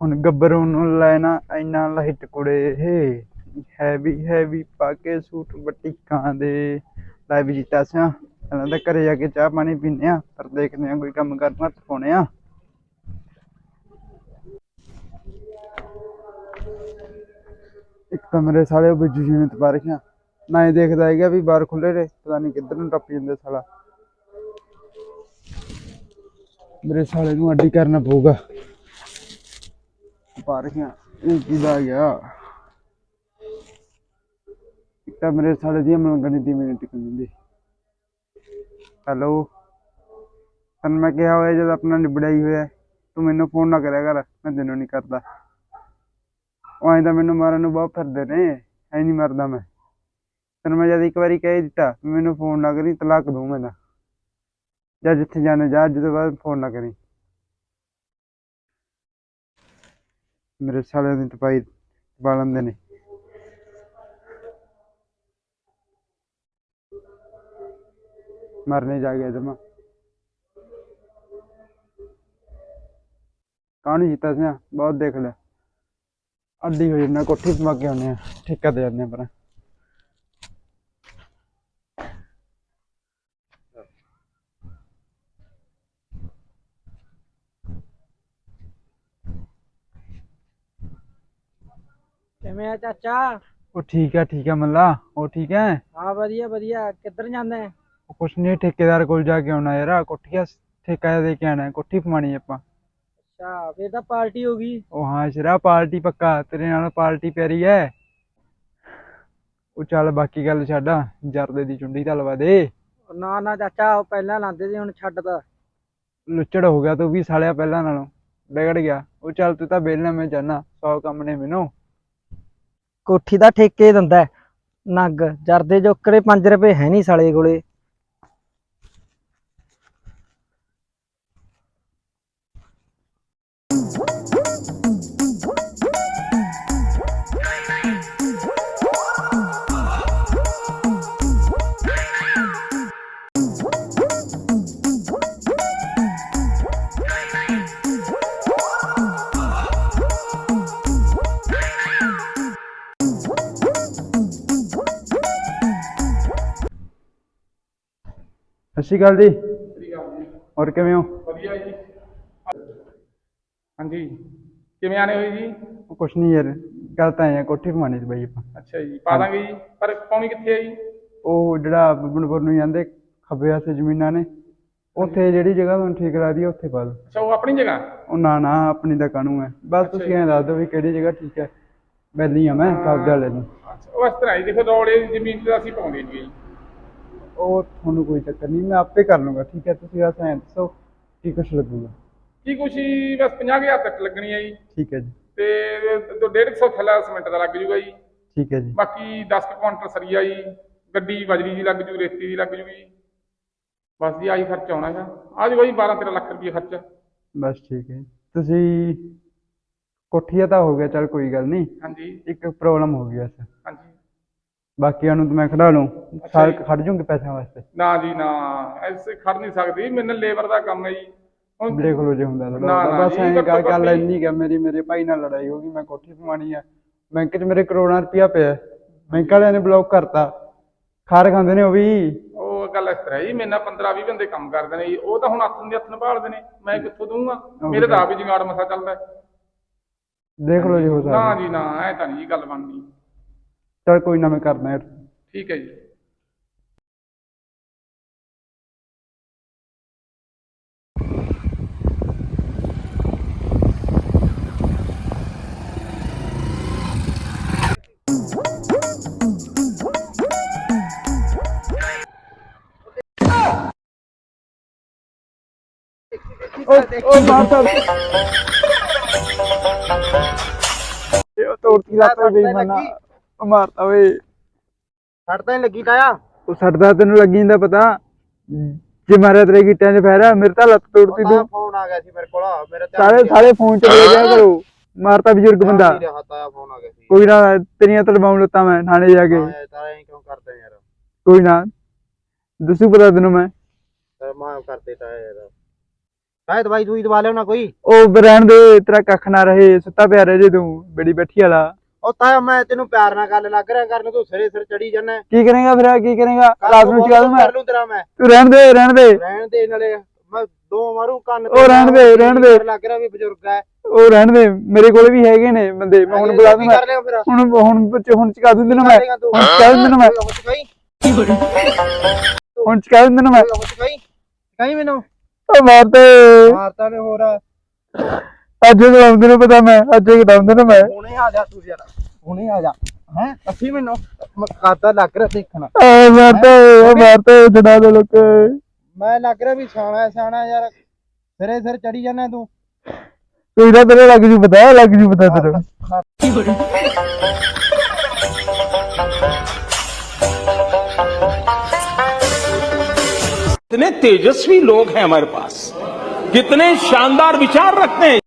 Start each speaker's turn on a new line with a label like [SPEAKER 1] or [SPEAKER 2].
[SPEAKER 1] ਹੁਣ ਗੱਭਰੂ ਨੂੰ ਲੈਣਾ ਇੰਨਾ ਲਾਈਟ ਕੁੜੇ ਇਹ ਹੈਵੀ ਹੈਵੀ ਪਾ ਕੇ ਸੂਟ ਬਟੀਕਾਂ ਦੇ ਲੈ ਵੀ ਜੀਤਾ ਸਿਆ ਪਹਿਲਾਂ ਤਾਂ ਘਰੇ ਜਾ ਕੇ ਚਾਹ ਪਾਣੀ ਪੀਂਦੇ ਆ ਪਰ ਦੇਖਦੇ ਆ ਕੋਈ ਕੰਮ ਕਰਨਾ ਪਾਉਣੇ ਆ। ਇੱਕ ਤਾਂ ਮੇਰੇ ਸਾਲੇ ਬਿੱਜੂ ਜੀ ਨੇ ਤਪਾ ਰੱਖਿਆ ਨਾ ਹੀ ਦੇਖਦਾ ਹੈਗਾ ਵੀ ਬਾਹਰ ਖੁੱਲੇ ਨੇ ਪਤਾ ਨਹੀਂ ਕਿੱਧਰ ਨੂੰ ਟੱਪ ਜਾਂਦੇ ਸਾਲਾ। ਮੇਰੇ ਸਾਲੇ ਨੂੰ ਅੱਡੀ ਕਰਨਾ ਪਊਗਾ ਪਾ ਰੱਖਿਆ ਇਹ ਕਿਦਾ ਗਿਆ। ਇੱਕ ਤਾਂ ਮੇਰੇ ਸਾਲੇ ਦੀ ਮਲੰਗਣੀ ਦੀ ਮਿੰਟ ਟਿਕ ਜਾਂਦੀ। ਹੈਲੋ ਤੈਨੂੰ ਮੈਂ ਕਿਹਾ ਹੋਇਆ ਜਦ ਆਪਣਾ ਨਿਬੜਿਆ ਹੀ ਹੋਇਆ ਤੂੰ ਮੈਨੂੰ ਫੋਨ ਨਾ ਕਰਿਆ ਕਰ ਮੈਂ ਤੈਨੂੰ ਨਹੀਂ ਕਰਦਾ। ਉਹ ਐਂ ਤਾਂ ਮੈਨੂੰ ਮਾਰਨ ਨੂੰ ਬਹੁਤ ਫਿਰਦੇ ਨੇ ਐ ਨਹੀਂ ਮਰਦਾ ਮੈਂ ਤੈਨੂੰ ਮੈਂ ਜਦ ਇੱਕ ਵਾਰੀ ਕਹਿ ਦਿੱਤਾ ਮੈਨੂੰ ਫੋਨ ਨਾ ਕਰੀ ਤਲਾਕ ਦੂੰ ਮੈਂ ਤਾਂ ਜਾਂ ਜਿੱਥੇ ਜਾਣਾ ਜਾ ਅੱਜ ਤੋਂ ਬਾਅਦ ਫੋਨ ਨਾ ਕਰੀ। ਮੇਰੇ ਸਾਲਿਆਂ ਦੀ ਤਪਾਈ ਪਾ ਲੈਂਦੇ ਨੇ। ਮਰਨੇ ਜਾ ਗਿਆ ਜਮਾ ਕਾਹਨੂੰ ਜੀਤਾ ਸੀ ਬਹੁਤ ਦੇਖ ਲਿਆ ਅੱਡੀ ਹੋ ਜਾਂਦਾ ਕੋਠੀ ਪਾ ਕੇ ਆਉਂਦੇ ਆ ਠੇਕਾ ਦੇ ਜਾਂਦੇ ਆ ਪਰ
[SPEAKER 2] ਕਿਵੇਂ ਆ ਚਾਚਾ?
[SPEAKER 1] ਉਹ ਠੀਕ ਆ ਮੱਲਾ ਉਹ ਠੀਕ ਹੈ।
[SPEAKER 2] ਹਾਂ ਵਧੀਆ ਵਧੀਆ। ਕਿੱਧਰ ਜਾਂਦਾ ਹੈ?
[SPEAKER 1] ਉਹ ਕੁਛ ਨਹੀਂ ਠੇਕੇਦਾਰ ਕੋਲ ਜਾ ਕੇ ਆਉਣਾ ਯਾਰ ਕੋਠੀ ਠੇਕਾ ਦੇ ਕੇ ਆਉਣਾ ਕੋਠੀ ਪਵਾਉਣੀ ਆਪਾਂ।
[SPEAKER 2] ਅੱਛਾ ਫੇਰ ਤਾਂ ਪਾਰਟੀ ਹੋ ਗਈ।
[SPEAKER 1] ਉਹ ਹਾਂ ਸ਼ਰਾ ਪਾਰਟੀ ਪੱਕਾ ਤੇਰੇ ਨਾਲ ਪਾਰਟੀ ਪਿਆਰੀ ਹੈ। ਉਹ ਚੱਲ ਬਾਕੀ ਗੱਲ ਛੱਡ ਜਰਦੇ ਦੀ ਚੁੰਡੀ ਤਾਂ ਲਵਾ ਦੇ।
[SPEAKER 2] ਨਾ ਨਾ ਚਾਚਾ ਉਹ ਪਹਿਲਾਂ ਲਾਂਦੇ ਸੀ ਹੁਣ ਛੱਡਦਾ।
[SPEAKER 1] ਲੁੱਚੜ ਹੋ ਗਿਆ ਤੂੰ ਵੀ ਸਾਲਿਆ ਪਹਿਲਾਂ ਨਾਲੋਂ ਵਿਗੜ ਗਿਆ। ਉਹ ਚੱਲ ਤੂੰ ਤਾਂ ਵਿਹਲਾ ਮੈਂ ਜਾਨਾ 100 ਕੰਮ ਨੇ ਮੈਨੂੰ।
[SPEAKER 2] ਕੋਠੀ ਦਾ ਠੇਕੇ ਦਿੰਦਾ ਹੈ। ਨੱਗ ਜਰਦੇ ਜੋਕਰੇ 5 ਰੁਪਏ ਹੈ ਨਹੀਂ ਸਾਲੇ ਕੋਲੇ।
[SPEAKER 1] ਸਤਿ ਸ਼੍ਰੀ ਅਕਾਲ ਜੀ। ਹੋਰ ਕਿਵੇਂ ਹੋ?
[SPEAKER 3] ਵਧੀਆ ਜੀ। ਹਾਂਜੀ ਕਿਵੇਂ ਆਣੇ ਹੋਏ ਜੀ?
[SPEAKER 1] ਉਹ ਕੁਛ ਨਹੀਂ ਯਾਰ ਗੱਲ ਤਾਂ ਐਂ ਕੋਠੀ ਪਵਾਉਣੀ ਸੀ ਬਾਈ ਆਪਾਂ।
[SPEAKER 3] ਅੱਛਾ ਜੀ ਪਾ ਦਾਂਗੇ ਜੀ ਪਰ ਪਾਉਣੀ ਕਿੱਥੇ ਹੈ ਜੀ?
[SPEAKER 1] ਉਹ ਜਿਹੜਾ ਬੱਬਨਪੁਰ ਨੂੰ ਜਾਂਦੇ ਖੱਬੇ ਪਾਸੇ ਜ਼ਮੀਨਾਂ ਨੇ ਉੱਥੇ ਜਿਹੜੀ ਜਗ੍ਹਾ ਤੁਹਾਨੂੰ ਠੀਕ ਲੱਗਦੀ ਹੈ ਉੱਥੇ ਪਾ ਦਿਓ।
[SPEAKER 3] ਅੱਛਾ ਉਹ ਆਪਣੀ ਜਗ੍ਹਾ?
[SPEAKER 1] ਉਹ ਨਾ ਨਾ ਆਪਣੀ ਦਾ ਕਾਹਨੂੰ ਹੈ ਬਸ ਤੁਸੀਂ ਐਂ ਦੱਸ ਦਿਓ ਵੀ ਕਿਹੜੀ ਜਗ੍ਹਾ ਠੀਕ ਹੈ ਬੈਲੀ ਆ ਮੈਂ ਕਬਜ਼ਾ ਲੈ ਲੂੰ।
[SPEAKER 3] ਅੱਛਾ ਉਹ ਇਸ ਤਰ੍ਹਾਂ ਜੀ ਦੇਖੋ ਰੌਲੇ ਦੀ ਜ਼ਮੀਨ ਤੇ ਅਸੀਂ ਪਾਉਂਦੇ ਨਹੀਂ ਜੀ।
[SPEAKER 1] ਉਹ ਤੁਹਾਨੂੰ ਕੋਈ ਚੱਕਰ ਨਹੀਂ ਮੈਂ ਆਪੇ ਕਰ ਲੂੰਗਾ ਠੀਕ ਹੈ ਤੁਸੀਂ ਬਸ ਐਂ ਦੱਸੋ ਕੀ ਕੁਛ ਲੱਗੂਗਾ।
[SPEAKER 3] ਕੀ ਕੁਛ ਜੀ ਬਸ 50,000 ਤੱਕ ਲੱਗਣੀ ਹੈ ਜੀ।
[SPEAKER 1] ਠੀਕ ਹੈ ਜੀ।
[SPEAKER 3] ਤੇ 150 ਥੈਲਾ ਸੀਮੈਂਟ ਦਾ ਲੱਗ ਜੂਗਾ ਜੀ।
[SPEAKER 1] ਠੀਕ ਹੈ ਜੀ।
[SPEAKER 3] ਬਾਕੀ 10 ਕੁਆਂਟਲ ਸਰੀਆ ਜੀ ਗੱਡੀ ਬਜਰੀ ਦੀ ਲੱਗ ਜੂ ਰੇਤੀ ਦੀ ਲੱਗ ਜੂਗੀ ਜੀ। ਬਸ ਜੀ ਆਹੀ ਖਰਚਾ ਆਉਣਾ ਹੈਗਾ ਆ ਜੂਗਾ ਜੀ 12-13 ਲੱਖ ਰੁਪਏ ਖਰਚਾ।
[SPEAKER 1] ਬਸ ਠੀਕ ਹੈ ਤੁਸੀਂ ਕੋਠੀਆ ਤਾਂ ਹੋ ਗਿਆ ਚੱਲ ਕੋਈ ਗੱਲ ਨਹੀਂ।
[SPEAKER 3] ਹਾਂਜੀ
[SPEAKER 1] ਇੱਕ ਪ੍ਰੋਬਲਮ ਹੋ ਗਈ ਬਸ
[SPEAKER 3] ਹਾਂਜੀ।
[SPEAKER 1] ਬਾਕੀਆਂ ਨੂੰ ਤਾਂ ਮੈਂ ਖੜਾ ਲੂੰ ਸਾਲ ਖੜ ਜੂੰਗੇ ਪੈਸਿਆਂ ਵਾਸਤੇ।
[SPEAKER 3] ਨਾ ਜੀ ਨਾ ਐਸੇ ਖੜ ਨਹੀਂ ਸਕਦੀ ਮੇਰੇ ਲੇਬਰ ਦਾ ਕੰਮ ਹੈ ਜੀ। ਹੁਣ
[SPEAKER 1] ਦੇਖ ਲਓ ਜੇ ਹੁੰਦਾ
[SPEAKER 3] ਨਾ,
[SPEAKER 1] ਤਾਂ
[SPEAKER 3] ਨਾ
[SPEAKER 1] ਬਸ
[SPEAKER 3] ਜੀ,
[SPEAKER 1] ਐਂ
[SPEAKER 3] ਘੱਟੋ
[SPEAKER 1] ਗੱਲ
[SPEAKER 3] ਘੱਟ
[SPEAKER 1] ਇੰਨੀ ਕਿ ਮੇਰੇ ਭਾਈ ਨਾਲ ਲੜਾਈ ਹੋ ਗਈ ਮੈਂ ਕੋਠੀ ਪਵਾਉਣੀ ਆ ਬੈਂਕ 'ਚ ਮੇਰੇ ਕਰੋੜਾਂ ਰੁਪਇਆ ਪਿਆ ਬੈਂਕ ਵਾਲਿਆਂ ਨੇ ਬਲੌਕ ਕਰਤਾ ਖਾਰ ਖਾਂਦੇ ਨੇ ਉਹ ਵੀ।
[SPEAKER 3] ਉਹ ਗੱਲ ਇਸ ਤਰ੍ਹਾਂ ਜੀ ਮੇਰੇ ਨਾਲ 15-20 ਬੰਦੇ ਕੰਮ ਕਰਦੇ ਨੇ ਜੀ ਉਹ ਤਾਂ ਹੁਣ ਹੱਥ ਦੇ ਹੱਥ ਨਿਭਾਲਦੇ ਨੇ ਮੈਂ ਕਿੱਥੋਂ ਦਊਂਗਾ ਮੇਰੇ ਤਾਂ ਆਪ ਹੀ ਜੁਗਾੜ ਮਸਾ ਚੱਲਦਾ।
[SPEAKER 1] ਦੇਖ ਲਓ ਜੇ ਹੋ ਸਕਦਾ।
[SPEAKER 3] ਨਾ ਜੀ ਨਾ ਐ ਤਾਂ ਨਹੀਂ ਜੀ ਗੱਲ ਬਣਨੀ।
[SPEAKER 1] ਚੱਲ ਕੋਈ ਨਾ ਮੈਂ ਕਰਦਾ ਯਾਰ।
[SPEAKER 3] ਠੀਕ ਹੈ ਜੀ।
[SPEAKER 1] ਉਹ ਮਾਰਤਾ ਤੋੜਤੀ ਲੱਤ ਬੇਈਮਾਨਾ ਉਹ ਮਾਰਤਾ ਓਏ।
[SPEAKER 2] ਛੱਡ ਤਾਂ ਲੱਗੀ ਤਾਇਆ।
[SPEAKER 1] ਉਹ ਸੱਟਦਾ ਤੈਨੂੰ ਲੱਗੀ ਜਾਂਦਾ ਪਤਾ ਜੇ ਮਾਰਿਆ ਤੇਰੇ ਗਿੱਟਿਆਂ 'ਚ ਫੈਰਾ ਮੇਰੇ ਤਾਂ ਲੱਤ ਤੋੜਤੀ ਤੂੰ।
[SPEAKER 2] ਫੋਨ ਆ ਗਿਆ ਸੀ ਮੇਰੇ ਕੋਲ ਮੇਰੇ
[SPEAKER 1] ਸਾਰੇ ਫੋਨ 'ਚ ਦੇ ਦਿਆ ਕਰੋ ਮਾਰਤਾ ਬਜ਼ੁਰਗ ਬੰਦਾ।
[SPEAKER 2] ਫੋਨ ਆ ਗਿਆ ਸੀ।
[SPEAKER 1] ਕੋਈ ਨਾ ਤੇਰੀਆਂ ਤੜਵਾਉਂ ਲੱਤਾਂ ਮੈਂ ਥਾਣੇ ਜਾ ਕੇ।
[SPEAKER 2] ਤਾਇਆ ਕਿਉਂ ਕਰਦਾ ਯਾਰ?
[SPEAKER 1] ਕੋਈ ਨਾ ਦੱਸੂ ਪਤਾ ਤੈਨੂੰ ਮੈਂ
[SPEAKER 2] ਮਾਫ ਕਰ ਦੇ ਤਾਇਆ ਯਾਰ।
[SPEAKER 4] ਕਾਹ ਦਵਾਈ ਦੂਈ ਦਵਾ ਲਿਓ ਨਾ ਕੋਈ।
[SPEAKER 1] ਉਹ ਰਹਿਣ ਦੇ, ਤੇਰਾ ਕੱਖ ਨਾ ਰਹੇ, ਸੁੱਤਾ ਪਿਆ ਰਹੇ ਜੇ ਤੂੰ ਬੜੀ ਬੈਠੀ ਵਾਲਾ।
[SPEAKER 4] ਉਹ ਤਾਇਆ ਮੈਂ ਤੈਨੂੰ ਪਿਆਰ ਨਾਲ ਗੱਲ ਲੱਗ ਰਿਹਾ ਕਰਨ, ਤੂੰ ਸਿਰੇ ਸਿਰ ਚੜੀ ਜਾਣਾ।
[SPEAKER 1] ਕੀ ਕਰੇਗਾ ਫਿਰ, ਕੀ ਕਰੇਗਾ? ਰਾਤ ਨੂੰ ਚਕਾ ਦੂੰ ਮੈਂ।
[SPEAKER 4] ਕਰ ਲੂੰ ਤੇਰਾ ਮੈਂ।
[SPEAKER 1] ਤੂੰ ਰਹਿਣ ਦੇ, ਰਹਿਣ ਦੇ,
[SPEAKER 4] ਰਹਿਣ ਦੇ, ਨਾਲੇ ਮੈਂ ਦੋ ਮਾਰੂ ਕੰਨ
[SPEAKER 1] ਉਹ ਰਹਿਣ ਦੇ, ਰਹਿਣ ਦੇ।
[SPEAKER 4] ਲੱਗ ਰਿਹਾ ਵੀ ਬਜ਼ੁਰਗ ਹੈ।
[SPEAKER 1] ਉਹ ਰਹਿਣ ਦੇ, ਮੇਰੇ ਕੋਲ ਵੀ ਹੈਗੇ ਨੇ ਬੰਦੇ, ਮੈਂ ਹੁਣ ਬੁਲਾ ਦੂੰ।
[SPEAKER 4] ਕਰ ਲਿਆ ਫਿਰ।
[SPEAKER 1] ਹੁਣ ਚਕਾ ਦੂੰ ਤੈਨੂੰ ਮੈਂ, ਹੁਣ ਚਕਾ ਦੂੰ ਤੈਨੂੰ ਮੈਂ, ਹੁਣ ਚਕਾ ਦੂੰ ਤੈਨੂੰ ਮੈਂ।
[SPEAKER 4] ਕਹੀਂ ਮੈਨੂੰ
[SPEAKER 1] ਉਹ ਮਾਰਤੇ
[SPEAKER 4] ਮਾਰਤਾ ਨੇ ਹੋਰ।
[SPEAKER 1] ਅੱਜ ਕਰਾਉਂਦੇ ਨੂੰ ਪਤਾ, ਮੈਂ ਅੱਜ ਕਰਾਉਂਦੇ ਨੂੰ ਮੈਂ।
[SPEAKER 4] ਹੁਣੇ ਆ ਜਾ ਤੂੰ ਯਾਰ, ਹੁਣੇ ਆ ਜਾ। ਹੈ ਅਸੀਂ ਮੈਨੂੰ ਕਾਦਾ ਲੱਗ ਰਿਹਾ ਦੇਖਣਾ।
[SPEAKER 1] ਮਾਰਤੇ ਜੜਾ ਦੇ ਲੋਕ।
[SPEAKER 4] ਮੈਂ ਲੱਗ ਰਿਹਾ ਵੀ ਸਿਆਣਾ ਯਾਰ, ਸਿਰੇ ਸਿਰ ਚੜੀ ਜਾਣਾ ਤੂੰ।
[SPEAKER 1] ਕੋਈ ਨਾ ਤੇਰੇ ਲੱਗ ਜੂ ਪਤਾ, ਲੱਗ ਜੂ ਪਤਾ ਤੇਰੇ।
[SPEAKER 5] कितने तेजस्वी लोग हैं हमारे पास, कितने शानदार विचार रखते हैं।